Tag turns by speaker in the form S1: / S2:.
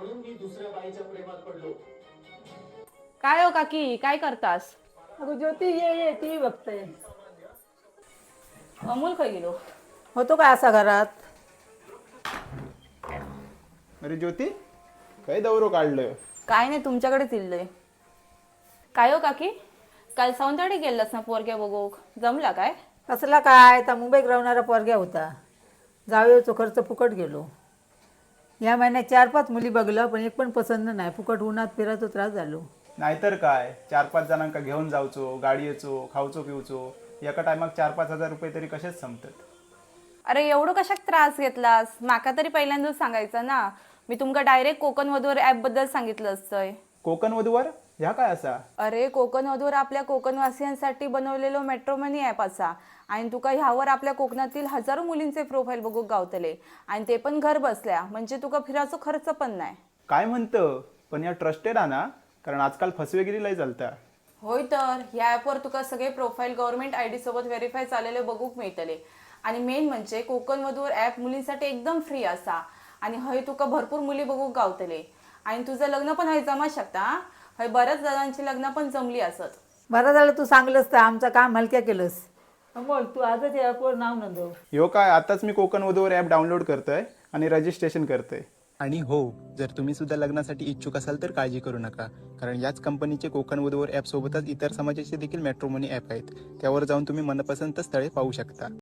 S1: म्हणून मी दुसऱ्या बाईच्या प्रेमात पडलो.
S2: काय हो काकी, काय करतास?
S3: अगं ज्योती, ये टीव्ही बघते.
S2: अमोल काय गेलो?
S3: होतो काय असा घरात?
S4: अरे ज्योती, काय दौरो काढलं?
S2: काय नाही, तुमच्याकडेच इल्लय. काय हो काकी, काल सौंदर्य गेलास ना पोरग्या बघूक, जमला काय?
S3: कसला काय, तर मुंबईत राहणारा पोरग्या होता. जावेचा खर्च फुकट गेलो. या महिन्यात 4-5 मुली बघलं, पण एक पण पसंत नाही. फुकट उन्हात फिरायचो त्रास झालो.
S4: नाहीतर काय, 4-5 जणांका घेऊन जावचो, गाडी येचो, खावचो पिवचो, एका टायमाक 4-5 हजार रुपये तरी कसेच संपतात.
S2: अरे एवढं कशाक त्रास घेतलास? माका तरी पहिल्यांदाच सांगायचं ना. मी तुमका डायरेक्ट कोकण वधूवर ऍप बद्दल सांगितलं असतंय.
S4: कोकण वधूवर ह्या काय असा?
S2: अरे कोकण वधूवर आपल्या कोकणवासियांसाठी बनवलेलो मॅट्रोमनी ॲप असा आणि तुका ह्यावर आपल्या कोकणातील हजारो मुलींचे प्रोफाईल बघूक गावतले आणि ते पण घर बसल्या, म्हणजे तुका फिरायचो खर्च पण नाही.
S4: काय म्हणतं, पण या ट्रस्टेड आहे ना? कारण आजकाल फसवेगिरी लय चालता.
S2: होय, तर ह्या ॲपवर तुका सगळे प्रोफाईल गव्हर्नमेंट ID सोबत व्हेरीफाय झालेले बघूक मिळतले. आणि मेन म्हणजे कोकण वधूवर ॲप मुलींसाठी एकदम फ्री असा आणि हय तुका भरपूर मुली बघूक गावतले आणि तुझं लग्न पण हय जमा शकता. हय बऱ्याच जणांची लग्न पण जमली असत.
S3: बरं झालं तू सांगलंस, तर आमचं काम हलक्या केलंस. अमोल, तू आजच या ॲपवर नाव नोंदव.
S4: ह्यो काय, आताच मी कोकण वधूवर ॲप डाउनलोड करतोय आणि रजिस्ट्रेशन करतोय.
S5: आणि हो, जर तुम्ही सुद्धा लग्नासाठी इच्छुक असाल तर काळजी करू नका, कारण याच कंपनीचे कोकण वधूवर ॲप सोबतच इतर समाजाचे देखील मॅट्रोमनी ॲप आहेत. त्यावर जाऊन तुम्ही मनपसंत स्थळे पाहू शकता.